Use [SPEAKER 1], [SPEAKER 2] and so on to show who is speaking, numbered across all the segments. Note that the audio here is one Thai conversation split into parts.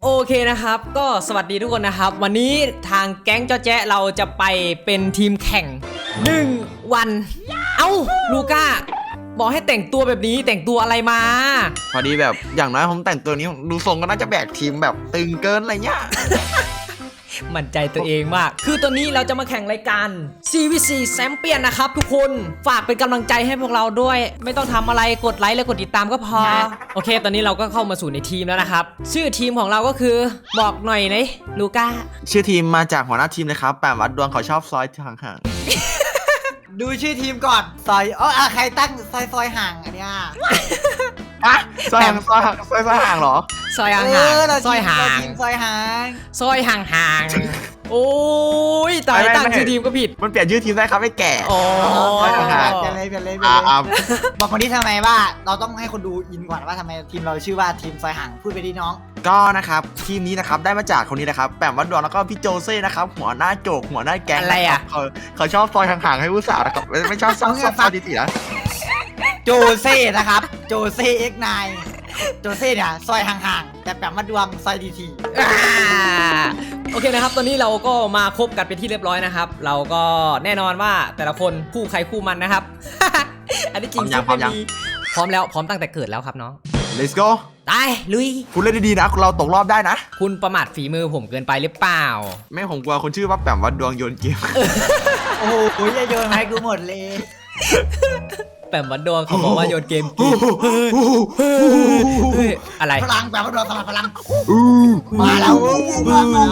[SPEAKER 1] โอเคนะครับก็สวัสดีทุกคนนะครับวันนี้ทางแก๊งเจ้าแจ๊ะเราจะไปเป็นทีมแข่ง1 วันเอ้าลูก้าบอกให้แต่งตัวแบบนี้แต่งตัวอะไรมา
[SPEAKER 2] พอดีแบบอย่างน้อยผมแต่งตัวนี้ดูทรงก็น่าจะแบกทีมแบบตึงเกินอะไรเงี้ย
[SPEAKER 1] มั่นใจตัวเองมากคือตอนนี้เราจะมาแข่งรายการ CVC แชมเปี้ยนนะครับทุกคนฝากเป็นกำลังใจให้พวกเราด้วยไม่ต้องทำอะไรกดไลค์และกดติดตามก็พอโอเคตอนนี้เราก็เข้ามาสู่ในทีมแล้วนะครับชื่อทีมของเราก็คือบอกหน่อยนะลูก้า
[SPEAKER 2] ชื่อทีมมาจากหัวหน้าทีมเลยครับแปมวัดดวงเขาชอบซอยห่าง
[SPEAKER 3] ดูชื่อทีมก่อนซอยใครตั้งซอยห่างอันเนี้ย
[SPEAKER 2] ๆอะซอยห่างเหรอ
[SPEAKER 1] ซอยห่าง
[SPEAKER 3] เรา
[SPEAKER 1] ซอยห่าง
[SPEAKER 3] ทีมซอยห่าง
[SPEAKER 1] ซอยห่างโอ้ยตายตั้งชื่อทีมก็ผิด
[SPEAKER 2] มันเปลี่ยนชื่อทีมได้ครับไอ้แก่
[SPEAKER 1] โอ้
[SPEAKER 3] ซอย
[SPEAKER 1] ย
[SPEAKER 3] ห่างเปลี่ยนเลย บอกคนนี้ทำไมว่าเราต้องให้คนดูอินก่อนว่าทำไมทีมเราชื่อว่าทีมซอยห่างพูดไปดิน้อง
[SPEAKER 2] ก็นะครับทีมนี้นะครับได้มาจากคนนี้นะครับแปมวัดดวงแล้วก็พี่โจเซ่นะครับหัวหน้าโจกหัวหน้าแก๊ง
[SPEAKER 1] อะไรอ่ะ
[SPEAKER 2] เขาชอบซอยห่างๆให้ผู้สาวนะครับไม่ชอบซอยดีๆนะ
[SPEAKER 3] โจเซ่นะครับโจเซ่X9โจเซ่เนี่ยซอยห่างๆแต่แปมมาดวงซอยดีที
[SPEAKER 1] โอเคนะครับตอนนี้เราก็มาคบกันเป็นที่เรียบร้อยนะครับ เราก็แน่นอนว่าแต่ละคนคู่ใครคู่มันนะครับ อันนี้จริงพร้อมแล้วพร้อมตั้งแต่เกิดแล้วครับน้อง
[SPEAKER 2] Let's go
[SPEAKER 1] ไปลุย
[SPEAKER 2] คุณเล่นดีๆนะเราตกรอบได้นะ
[SPEAKER 1] คุณประมาทฝีมือผมเกินไปหรือเปล่า
[SPEAKER 2] ไม่ผมกลัวคนชื่อว่าแปมวัดดวงโยนเกม
[SPEAKER 3] โอ้โหอย่าโยนมาให้กูหมดเลย
[SPEAKER 1] แปมวัดดวงเขาบอกว่าโยนเกมกินเฮ้ยอะไร
[SPEAKER 3] พลังแปมมาดวงสลับพลังมาแล้วมาแล้ว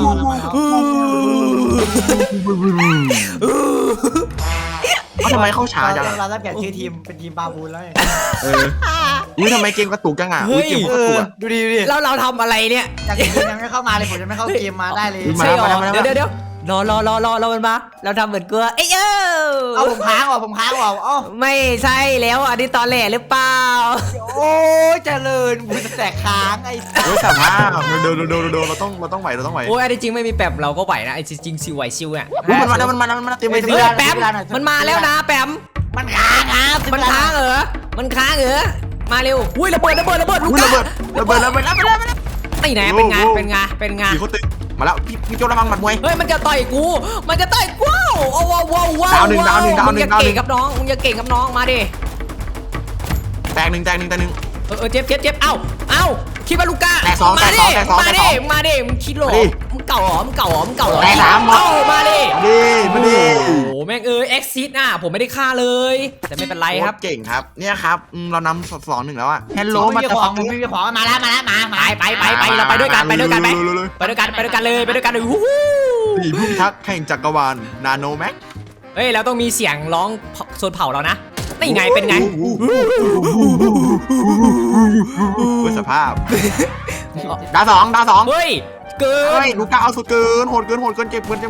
[SPEAKER 2] ทำไมเข้าช้าจัง
[SPEAKER 3] เราได้เปลี่ยนชื่อทีมเป็นทีมบาบูนแล้ว
[SPEAKER 2] อุ้ยทำไมเกมกระตุกจังอ่ะอุ้ยเกมกระตุก
[SPEAKER 3] ดูดิ
[SPEAKER 1] แล้วเราทำอะไรเนี่ย
[SPEAKER 3] จากทีมยังไม่เข้ามาเลยผมยังไม่เข้าเกมมาได้เลย
[SPEAKER 1] ใช่หรอเดี๋ยวรอมันมาเราทำเหมือนกลัวเอ้ย
[SPEAKER 3] เอาผมค้างว่ะอ๋อ
[SPEAKER 1] ไม่ใช่แล้วอันนี้ตอนแหลหรือเปล่า
[SPEAKER 3] โอ้ยเจริญบุญแตกค้างไอ้
[SPEAKER 2] เฮ้ยสามารถโดนเราต้องไหว
[SPEAKER 1] โอ้ยอันนี้จริงไม่มีแปมเราก็ไหวนะไอ้จริงซิวไหวซิวเนี่ย
[SPEAKER 2] มันมาเต็มไป
[SPEAKER 1] เฮ้ยแปมมันมาแล้วนะแปม
[SPEAKER 3] มันค้างครับ
[SPEAKER 1] มันค้างเหรอมาเร็วอุ้ยระเบิดลูก
[SPEAKER 2] ระเบิดแล้ว
[SPEAKER 1] ไม่ไหนเป็นไง
[SPEAKER 2] พี่เขาตึกมาแล้วพี่โจระวังหมัดมวย
[SPEAKER 1] เฮ้ยมันจะต่อยกูโอ้ว้าว
[SPEAKER 2] ดาวหนึ่ง
[SPEAKER 1] มึงอย่าเก่งกับน้องมาดิ
[SPEAKER 2] แตกหนึ่ง
[SPEAKER 1] เจ็บเอ้าคิดว่าลูก้า
[SPEAKER 2] แตกสอง
[SPEAKER 1] มาดิมึงคิดหรอมึงเก่าหรอ
[SPEAKER 2] แตกสาม
[SPEAKER 1] เอ้ามาดิ
[SPEAKER 2] มาดิ
[SPEAKER 1] โอ้โหแม่งเอ็กซิสอ่ะผมไม่ได้ฆ่าเลยแต่ไม่เป็นไรครับ
[SPEAKER 2] เก่งครับเนี่ยครับเรานำ2-1แล้วอ่ะฮัลโหล
[SPEAKER 3] ไม่
[SPEAKER 2] มา
[SPEAKER 3] มีของไม่มีของมาแล้วมา
[SPEAKER 1] ไปเราไปด้วยกันไปด้วยกันเลยวู้
[SPEAKER 2] ผีพุ่งทักแข่งจักรวาลนาโนแม็ก
[SPEAKER 1] เฮ้ยเราต้องมีเสียงร้องโซนเผาเรานะนี่ไงเป็นไง
[SPEAKER 2] สภาพดาวสอง
[SPEAKER 1] เฮ้ยเกิน
[SPEAKER 2] ลูก้าเอาสุดเกินโหดเกินเจ็บครับ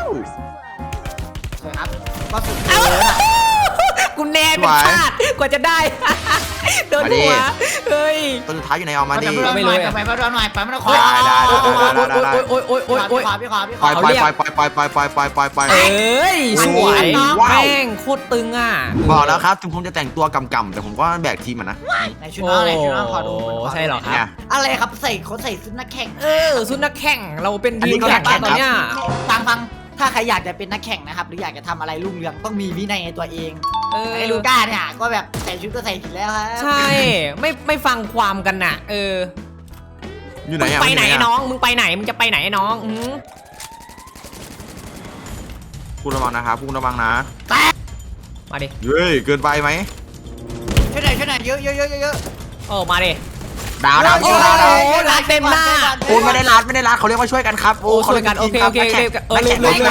[SPEAKER 3] ก็สุดเลยอ่ะ
[SPEAKER 1] กูแน่เป็นชาติกว่าจะได้โดนหัวเฮ้ย
[SPEAKER 2] ตัวสุดท้ายอยู่ในออกมาดิ
[SPEAKER 3] ไปมาดูหน่อยไปมาดูขอ
[SPEAKER 2] ได้
[SPEAKER 1] โอ๊ย
[SPEAKER 3] พี่ขอ
[SPEAKER 2] ปล่อย
[SPEAKER 1] เอ้ยสวยแม่งโคตรตึงอ่ะ
[SPEAKER 2] บอกแล้วครับถึงผมจะแต่งตัวกำแต่ผมก็แบกทีมนะ
[SPEAKER 3] ในชุดน้องขอดู
[SPEAKER 1] ใช่หรอครับ
[SPEAKER 3] อะไรครับใส่ชุดนักแข่ง
[SPEAKER 1] ชุดนักแข่งเราเป็นทีมแข่งตอนเนี้ย
[SPEAKER 3] ฟังถ้าใครอยากจะเป็นนักแข่งนะครับหรืออยากจะทำอะไรรุ่งเรืองต้องมีวินัยในตัวเองไอ้ลูก้าเนี่ยก็แบบใส่ชุดก็ใส่ผิดแล้วครับ
[SPEAKER 1] ใช่ไม่ฟังความกันน่ะ
[SPEAKER 2] อยู่ไหน
[SPEAKER 1] ไปไหนน้องมึงไปไหนมึงจะไปไหนน้อง
[SPEAKER 2] คุณระวังนะครับคุณระวังนะ
[SPEAKER 1] มาดิ
[SPEAKER 2] เฮ้ยเกินไปไหม
[SPEAKER 3] ช่วยหน่อยเยอะ
[SPEAKER 1] มาดิ
[SPEAKER 2] ดาว
[SPEAKER 1] โอ้ลาเต็มหน้า
[SPEAKER 2] โอ้ไม่ได้รัดเขาเรียกว่าช่วยกันครับโอ้เขา
[SPEAKER 1] ช่วยกันโอเคลืม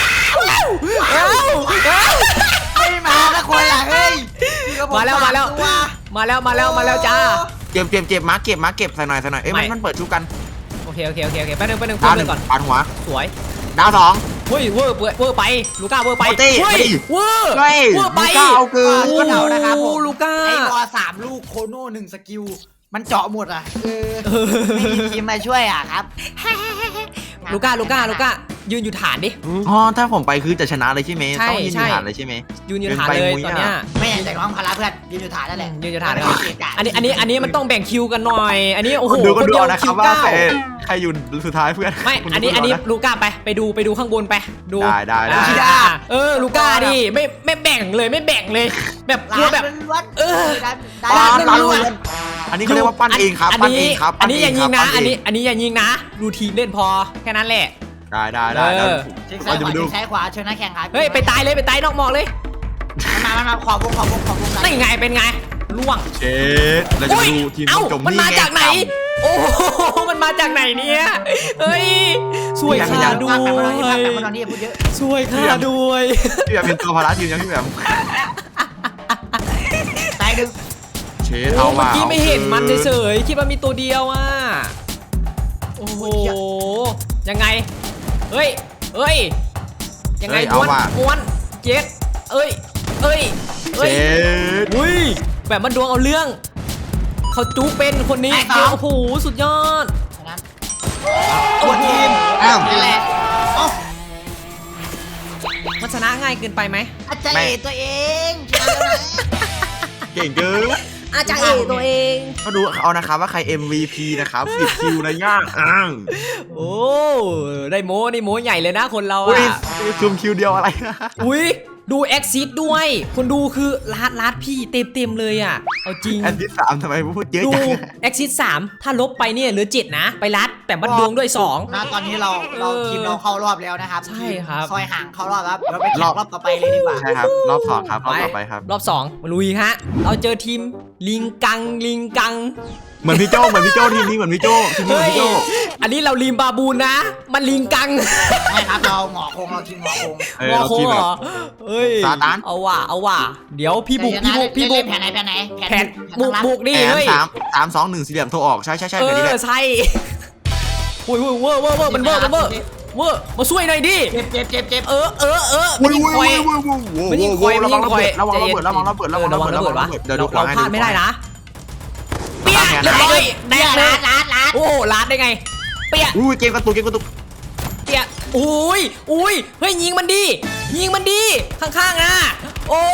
[SPEAKER 3] ไม่มาละคนละเฮ้ย
[SPEAKER 1] มาแล้วจ้า
[SPEAKER 2] เจ็บมาเก็บใส่หน่อยเอ้ยมันเปิดชุบกัน
[SPEAKER 1] โอเคแป๊บนึง
[SPEAKER 2] ดาวหนึ่ง
[SPEAKER 1] ก่อน
[SPEAKER 2] ปาดหัว
[SPEAKER 1] สวย
[SPEAKER 2] ดาวสอง
[SPEAKER 1] เฮ้ยเวอร์ไปลูก้าเวอร์ไปเฮ้ยเวอร์ไป
[SPEAKER 2] เอาเกิน
[SPEAKER 3] ก็เดานะครับผม
[SPEAKER 1] ลูก้า
[SPEAKER 3] ไอ้บอ3ลูกโคโน่1สกิลมันเจาะหมดอ่ะไม่มีทีมมาช่วยอ่ะครับ
[SPEAKER 1] ลูก้ายืนอยู่ฐานดิ
[SPEAKER 2] อ๋อถ้าผมไปคือจะชนะเลยใช่ไหม
[SPEAKER 1] ใช่
[SPEAKER 2] ต้องยืนอยู่
[SPEAKER 1] ใช่
[SPEAKER 2] ฐานเลยใช่ไหม
[SPEAKER 1] ยืนอยู่ฐานเลยตอนเนี้ย
[SPEAKER 3] ไม่อยากจะน้องพาราเพื่อนยืนอยู่ฐานนั่นแหละ
[SPEAKER 1] ยืนอยู่ฐานเลยอันนี้มันต้องแบ่งคิวกันหน่อย อันนี้โอ้โห
[SPEAKER 2] ดูก็
[SPEAKER 1] คน
[SPEAKER 2] ดู
[SPEAKER 1] เดียว
[SPEAKER 2] นะค
[SPEAKER 1] คิ
[SPEAKER 2] รับ
[SPEAKER 1] ว
[SPEAKER 2] ว่า
[SPEAKER 1] เก้า
[SPEAKER 2] ใครอยู่สุดท้ายเพื่อน
[SPEAKER 1] ไม่
[SPEAKER 2] คุณ
[SPEAKER 1] อันนี้
[SPEAKER 2] ดูก่ะ
[SPEAKER 1] ลูก้าไปดูข้างบนไปดู
[SPEAKER 2] ได้
[SPEAKER 1] ลูก้าดิไม่แบ่งเลยไม่แบ่งเลย แบบกลัวแบบ
[SPEAKER 3] ล้วน
[SPEAKER 1] เออ
[SPEAKER 3] ได้
[SPEAKER 1] ร้าน
[SPEAKER 2] ร้าน
[SPEAKER 1] ล้วน
[SPEAKER 2] อันนี้เขาเรียกว่าปั้นเองครับปั้นเองครับ
[SPEAKER 1] อันนี้อย่ายิงนะ
[SPEAKER 2] ปั้เ
[SPEAKER 1] อันนี้อย่ายิงนะ ดูทีมเล่นพอแค่นั้นแหละ
[SPEAKER 2] ได้
[SPEAKER 1] เออ
[SPEAKER 3] เช็คซ้ายขวาเช็คซ้ายขวาเชิญนักแข่งครับ
[SPEAKER 1] เฮ้ยไปตายนอกหมอกเลย
[SPEAKER 3] มาขอบวงกัน
[SPEAKER 1] นี่ไงเป็นไงล่วง
[SPEAKER 2] เชดเราจะ
[SPEAKER 1] อุ้ย
[SPEAKER 2] ดูทีม
[SPEAKER 1] เอ้า
[SPEAKER 2] จม
[SPEAKER 1] มัน
[SPEAKER 2] นี่
[SPEAKER 1] มา
[SPEAKER 2] ไง
[SPEAKER 1] จากไหน โอ้โหมันมาจากไหนเนี่ยเฮ้ยสวยค่าด้วย
[SPEAKER 3] แต่มาตอนนี้พูดเยอะ
[SPEAKER 1] สวยค่าด้วย
[SPEAKER 2] พี่แบบเป็นตัวภาระทีมยังพี่แบบ
[SPEAKER 3] ตายดึง
[SPEAKER 2] เชด
[SPEAKER 1] โอ้
[SPEAKER 2] เอา
[SPEAKER 1] เมื่
[SPEAKER 2] ว่า
[SPEAKER 1] อกี้ไม่เห็นมันเฉยๆคิดว่ามีตัวเดียวอ่ะโอ้โหยังไงเฮ้ยยังไงม้วนเจ็ดเอ้ย
[SPEAKER 2] เชด
[SPEAKER 1] อุ้ยแบบมันดวงเอาเรื่องเขาจุกเป็นคนนี้เจโอ้โหสุดยอด
[SPEAKER 3] นั้นตัวทีม
[SPEAKER 2] อ้าว
[SPEAKER 3] นั่นแหละโอ้
[SPEAKER 1] มันชนะง่ายเกินไปไหม
[SPEAKER 3] อาจารย์ตัวเองชนะแล้วนะ
[SPEAKER 2] เก่งเกิน
[SPEAKER 1] อาจารย์ตัวเอง
[SPEAKER 2] เขาดูเอานะครับว่าใคร MVP นะครับ10 คิวนะย่า
[SPEAKER 1] โอ้ได้โม้นี่โม้ใหญ่เลยนะคนเรา
[SPEAKER 2] อุ้ย
[SPEAKER 1] อ่ะ
[SPEAKER 2] ซุ่มคิวเดียวอะไรนะ
[SPEAKER 1] อุ้ยดูแอคซิสด้วยคนดูคือลาดพี่เต็มเลยอ่ะเอาจริง
[SPEAKER 2] อันที่3ทำไมพูดเยอะ
[SPEAKER 1] ดู
[SPEAKER 2] จัง
[SPEAKER 1] แอคซิส3ถ้าลบไปเนี่ยเหลือ7นะไปรัดแต่บัดดวงด้วย2
[SPEAKER 3] นะตอนนี้เราทีมเราเข้ารอบแล้วนะครับ
[SPEAKER 1] ใช่ครับ
[SPEAKER 3] ซอยห่างเข้ารอบครับเราไปแข่งรอบต่อไปเลยดีกว่า
[SPEAKER 2] ใช่ครับรอบ2ครับรอบต่อไปครับ
[SPEAKER 1] รอบ2มาลุยฮะเราเจอทีมลิงกัง
[SPEAKER 2] เหมือนพี่โจทีมนี้เหมือนพี่โจทีมนี้เหมือนพี่โจ
[SPEAKER 1] อันนี้เราลิมบาบูนนะ มันลิงกัง
[SPEAKER 3] ไม่ครับเราหงอคงเราทีมหงอคง
[SPEAKER 1] งอโคงเหรอเอ้ย
[SPEAKER 2] ซาตาน
[SPEAKER 1] เอาว่ะเดี๋ยวพี่บุก
[SPEAKER 3] แผนไหน
[SPEAKER 1] แผนบุกดิ
[SPEAKER 2] แผน
[SPEAKER 1] เฮ้ย
[SPEAKER 2] 3 2 1สี่เหลี่ยมโทรออกใช่
[SPEAKER 1] เอ
[SPEAKER 2] แบบนี้แห
[SPEAKER 1] อ
[SPEAKER 2] ละ
[SPEAKER 1] ใช่โอ้ยเวอร์มันเวอร์มาช่วยหน่อยดิ
[SPEAKER 3] เจ็บ
[SPEAKER 1] เออมันยิงคอย มันยิงคอย
[SPEAKER 2] ระวังระเบิดระวังระเบิดระวังระเบิดระวังระเบิดระวังระเบิดเดี๋ยวดูขวา
[SPEAKER 1] เรา
[SPEAKER 2] ให้
[SPEAKER 1] พลาดไม่ได้นะเปี้ย
[SPEAKER 2] แผน
[SPEAKER 1] เรียบร้อยแดกเลย
[SPEAKER 3] ลาด
[SPEAKER 1] โอ้โหลาดได้ไงเปี้ย
[SPEAKER 2] อุ้ยเกมกระตุก
[SPEAKER 1] เปี้ยอุ้ยเฮ้ยยิงมันดีข้างๆนะโอ้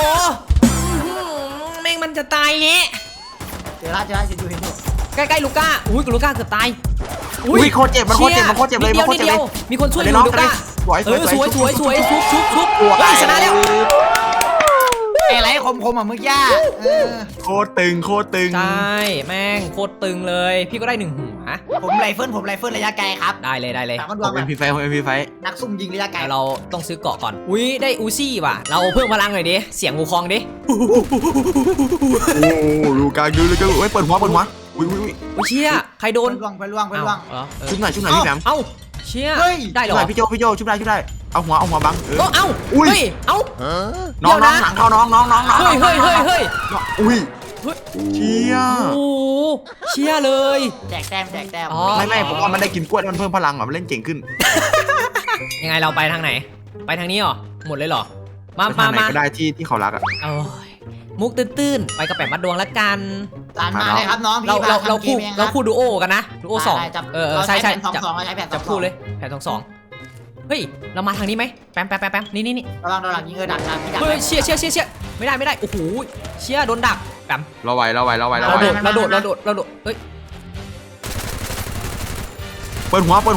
[SPEAKER 1] แม่งมันจะตายเงี้ย
[SPEAKER 3] เดี๋ยวจะดูเห็นอยู่
[SPEAKER 1] ใกล้ๆลูก้าอุ้ยลูก้าเกือบตาย
[SPEAKER 2] อุ้ยโคตรเจ็บมันโคตรเจ็บเลย
[SPEAKER 1] นิดเดียวมีคนช่วยอยู่ลูก้าสวยชุบเฮ้ยชนะแล้ว
[SPEAKER 3] อะไรคมอ่ะเมื่อกี้
[SPEAKER 2] โคตรตึง
[SPEAKER 1] ใช่แม่งโคตรตึงเลยพี่ก็ได้1 หัว
[SPEAKER 3] ผมไรเฟิลระยะไกลครับ
[SPEAKER 1] ได้เลย
[SPEAKER 3] แต่มันด
[SPEAKER 2] ผ
[SPEAKER 3] วง
[SPEAKER 2] ม
[SPEAKER 3] แบบ
[SPEAKER 2] MP ไฟ
[SPEAKER 3] นักซุ่มยิงระยะไกล
[SPEAKER 1] แต่เราต้องซื้อเกาะก่อนอุ้ยได้อูซี่ว่ะเราเพิ่มพลังหน่อยดิเสียงวูคองดิ
[SPEAKER 2] โอ้ลูกาดูเลยเปิดหัวอุ้ย
[SPEAKER 1] อุ้ยเชี่ยใครโดน
[SPEAKER 3] ไปล่วง
[SPEAKER 2] ชุบหน่อยพี่แหม
[SPEAKER 1] เอ้าเชี่ย
[SPEAKER 3] เฮ้ย
[SPEAKER 1] ได้เหร
[SPEAKER 2] ชุบ
[SPEAKER 1] อ
[SPEAKER 2] หน่อยพี่โจชุบได้เอาหัวบัง
[SPEAKER 1] เอ้า
[SPEAKER 2] อุ้ย
[SPEAKER 1] เฮ้ยเอ้า
[SPEAKER 2] น้องหลังเข้าน้อง
[SPEAKER 1] เฮ้ย
[SPEAKER 2] อุ้ย
[SPEAKER 1] เฮ้ย
[SPEAKER 2] เชี่ย
[SPEAKER 1] โอ้เชี่ยเลย
[SPEAKER 3] แจกแต้ม
[SPEAKER 1] อ๋อ
[SPEAKER 2] ไม่ผมว่ามันได้กินกล้วยมันเพิ่มพลังมันเล่นเก่งขึ้น
[SPEAKER 1] ยังไงเราไปทางไหนไปทางนี้เหรอหมดเลยเหรอมา
[SPEAKER 2] ทางไหนก็ได้ที่เขารักอ่ะ
[SPEAKER 1] โอ้ยมุกตื้นๆไปกับแปะมัดดวงละกัน
[SPEAKER 3] ตามมาเลยครับน้องพี่
[SPEAKER 1] เราคู่ดูโอกันนะดูโอ2ใช่
[SPEAKER 3] ใช้แผน2ใช้แผน
[SPEAKER 1] จับคู่เลยแผน2เฮ้ยเรามาทางนี้ไหมแป๊มนี่
[SPEAKER 3] ระวังโดนหลังยิงดักพี่ดัก
[SPEAKER 1] เฮ้ยเชี่ยไม่ได้โอ้โหเชี่ยโดนดักแป๊ม
[SPEAKER 2] เราไหว
[SPEAKER 1] เราโดดเฮ้ย
[SPEAKER 2] เปิดหัว59เ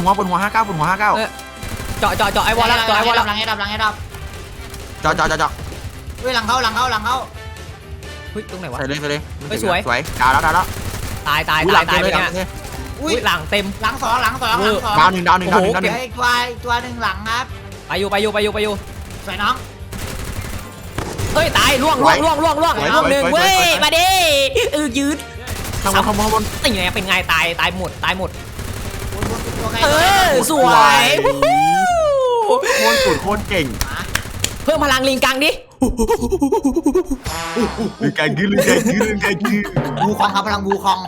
[SPEAKER 1] จาะไอวอลแล้วจาะไอวอลแล้ว
[SPEAKER 3] หลังให้ดับ
[SPEAKER 2] จอ
[SPEAKER 3] เฮ้ยหลังเข้า
[SPEAKER 1] เฮ้ยตรงไหนวะ
[SPEAKER 2] ใส่เลยสวยดาวแล้ว
[SPEAKER 1] ตายเลยเนี่ยอุ้ยหลังเต็ม
[SPEAKER 3] หลัง2
[SPEAKER 2] ดาวหนึ่ง
[SPEAKER 3] อีกตัวหนึ่งหลังครับ
[SPEAKER 1] ไปอยู่
[SPEAKER 3] สวยน้อง
[SPEAKER 1] เฮ้ยตายล่วงหนึ่งเว้ยมาดิยืด
[SPEAKER 2] ข้างบน
[SPEAKER 1] นี่ไงเป็นไงตายหมด
[SPEAKER 3] ตัว
[SPEAKER 1] สวย
[SPEAKER 2] โคตรเก่ง
[SPEAKER 1] เพิ่มพลังลิงกังดิ
[SPEAKER 2] ลืมการยืด
[SPEAKER 3] บูคองครับพลังบูคอง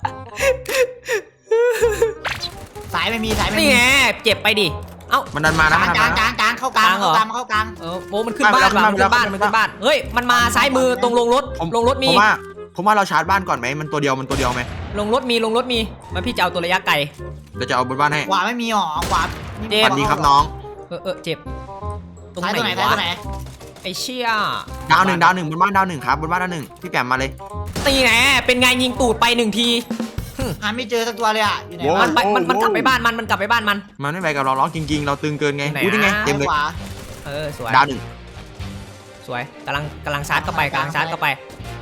[SPEAKER 3] สายไม่มี
[SPEAKER 1] นี่ไงเจ็บไปดิเอ้า
[SPEAKER 2] มันดันมานะ
[SPEAKER 3] กลางเข้ากลาง
[SPEAKER 1] โอ้มันขึ้นบ้านเฮ้ยมันมาซ้ายมือตรงลงรถมี
[SPEAKER 2] ผมว่าเราชาร์จบ้านก่อนไหมมันตัวเดียวไหม
[SPEAKER 1] ลงรถมีมาพี่จะเอาตัวระยะไกล
[SPEAKER 2] เราจะเอาบนบ้านให้
[SPEAKER 3] ขวาไม่มีหรอขวา
[SPEAKER 1] เจ็บ
[SPEAKER 2] สวัสดีครับน้อง
[SPEAKER 1] เจ็บตรง
[SPEAKER 3] ซ้ายตัวไหน
[SPEAKER 1] ไหน
[SPEAKER 3] ซ้ายว
[SPEAKER 1] ะ
[SPEAKER 3] ตัวไหน
[SPEAKER 1] ไอเชี่ย
[SPEAKER 2] ดาวหนึ่งบนบ้านดาวหนึ่งครับบนบ้านดาวหนึ่งพี่แปมมาเลย
[SPEAKER 1] ตีไหนเป็นไงยิงตูดไป1 ที
[SPEAKER 3] หาไม่เจอสักตัวเลยอ่ะอยู่ไหน
[SPEAKER 2] โว้
[SPEAKER 3] วะ
[SPEAKER 1] มันกลับไปบ้านมันกลับไปบ้านมัน
[SPEAKER 2] มันไม่ไปกับเราล้อจริงๆ เราตึงเกินไง
[SPEAKER 1] ไหน
[SPEAKER 2] อุ้ยนี่ไง
[SPEAKER 1] อะ
[SPEAKER 2] เต็มเลย
[SPEAKER 3] ขวา
[SPEAKER 1] สวย
[SPEAKER 2] ดาวหนึ่ง
[SPEAKER 1] สวยกำลังชาร์จเข้าไปกำลังชาร์จเข้าไป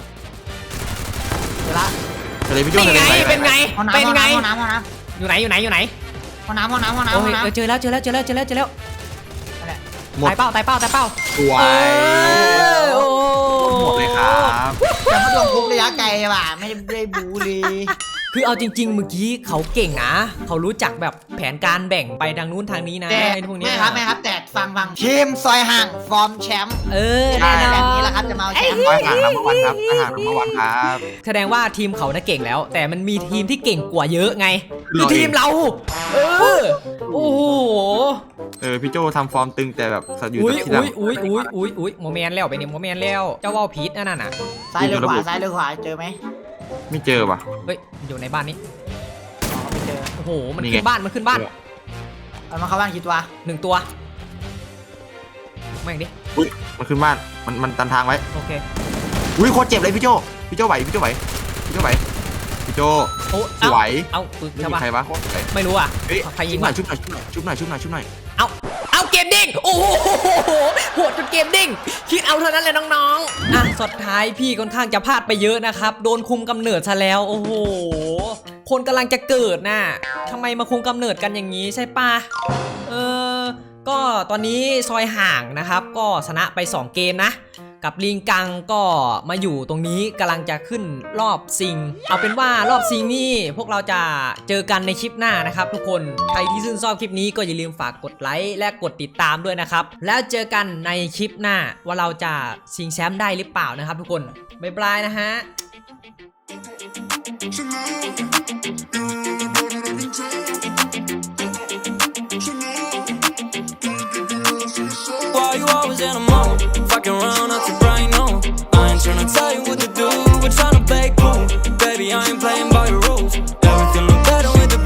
[SPEAKER 3] เดี๋ยวละ
[SPEAKER 2] ทะเลพี่โจ้
[SPEAKER 1] นี่
[SPEAKER 2] ทะเล
[SPEAKER 1] ไง
[SPEAKER 2] ไป
[SPEAKER 1] เป็นไง
[SPEAKER 3] ห้องน้ำ
[SPEAKER 1] เป็นไง
[SPEAKER 3] ห้องน้ำห้องน้
[SPEAKER 1] อยู่ไหน
[SPEAKER 3] ำห้องน้ำห้องน้ำห้อง
[SPEAKER 1] โอ้ย
[SPEAKER 3] น้ำ
[SPEAKER 1] เจอแล้วนั่นแหละ
[SPEAKER 2] หมด
[SPEAKER 1] ตายเป้า
[SPEAKER 2] สวย
[SPEAKER 1] โอ้
[SPEAKER 2] หมดเลยครับ
[SPEAKER 3] แต่มาโดนคุกระยะไกลว่ะไม่ได้บูเลย
[SPEAKER 1] คือเอาจริง ๆ เมื่อกี้เขาเก่งนะเขารู้จักแบบแผนการแบ่งไปทางนู้นทางนี้นะ
[SPEAKER 3] แต่
[SPEAKER 1] ไอ้พวกเนี้ย
[SPEAKER 3] ไม่ครับแต่ฟังทีมซอยห่างฟอร์มแชมป์
[SPEAKER 1] แน่นอน
[SPEAKER 3] แบบนี้แหละครับจะมาเอาแชมป์
[SPEAKER 2] ไปห่างน้ำวันครับอาหารน้ำวันครับ
[SPEAKER 1] แสดงว่าทีมเขาน่ะเก่งแล้ว แต่มันมีทีมที่เก่งกว่าเยอะไง
[SPEAKER 2] เรา
[SPEAKER 1] คือทีมเราโอ้โห
[SPEAKER 2] พี่โจ้ทำฟอร์มตึงแต่แบบอยู่
[SPEAKER 1] อุ้ย
[SPEAKER 2] ที่หลัง
[SPEAKER 1] โมเมนต์แล้วไปเนี่ยโมเมนต์แล้วเจ้าว่าวพีทนั่นน่ะ
[SPEAKER 3] ซ้ายหรือขวาซ้ายหรือขวาเจอไหม
[SPEAKER 2] ไม่เจอว่ะ
[SPEAKER 1] เฮ้ยอยู่ในบ้านนี้
[SPEAKER 3] อ๋อไม่เจอ
[SPEAKER 1] โอ้โหมัน
[SPEAKER 2] นี่
[SPEAKER 1] ขึ้
[SPEAKER 2] ไง
[SPEAKER 1] นบ้านมันขึ้นบ้าน
[SPEAKER 3] เอามาเข้าบ้านกี่ตัว
[SPEAKER 1] 1 ตัวไม่งดิ
[SPEAKER 2] อุ้ยมันขึ้นบ้านมันตันทางไว้
[SPEAKER 1] โอเค
[SPEAKER 2] อุ้ยโคตรเจ็บเลยพี่โจ้ไหวพี่โจ้
[SPEAKER 1] โอ้
[SPEAKER 2] สวย
[SPEAKER 1] เอาปึ๊ก
[SPEAKER 2] ไม่
[SPEAKER 1] ใช่
[SPEAKER 2] มี
[SPEAKER 1] ปะ
[SPEAKER 2] ใครวะ
[SPEAKER 1] ไม่รู้อ่ะ
[SPEAKER 2] เฮ้ย
[SPEAKER 1] ใครยิ
[SPEAKER 2] ชุ
[SPEAKER 1] ง
[SPEAKER 2] บหน่
[SPEAKER 1] วะ
[SPEAKER 2] อยชุบหน่อย
[SPEAKER 1] เอาเกมดิ้งโอ้โหโหดจนเกมดิ้งคิดเอาเท่านั้นเลยน้องๆอ่ะสุดท้ายพี่ค่อนข้างจะพลาดไปเยอะนะครับโดนคุมกำเนิดซะแล้วโอ้โหคนกำลังจะเกิดน่ะทำไมมาคุมกำเนิดกันอย่างนี้ใช่ปะก็ตอนนี้ซอยห่างนะครับก็ชนะไป2 เกมนะกับลิงกังก็มาอยู่ตรงนี้กำลังจะขึ้นรอบซิงเอาเป็นว่ารอบซิงนี่พวกเราจะเจอกันในคลิปหน้านะครับทุกคนใครที่ชื่นชอบคลิปนี้ก็อย่าลืมฝากกดไลค์และกดติดตามด้วยนะครับแล้วเจอกันในคลิปหน้าว่าเราจะชิงแชมป์ได้หรือเปล่านะครับทุกคนบ๊ายบายนะฮะ
[SPEAKER 4] Why you always in a mode? Fucking around up to bright, no. I ain't tryna tell you what to do. We're tryna play cool. Baby, I ain't playing by your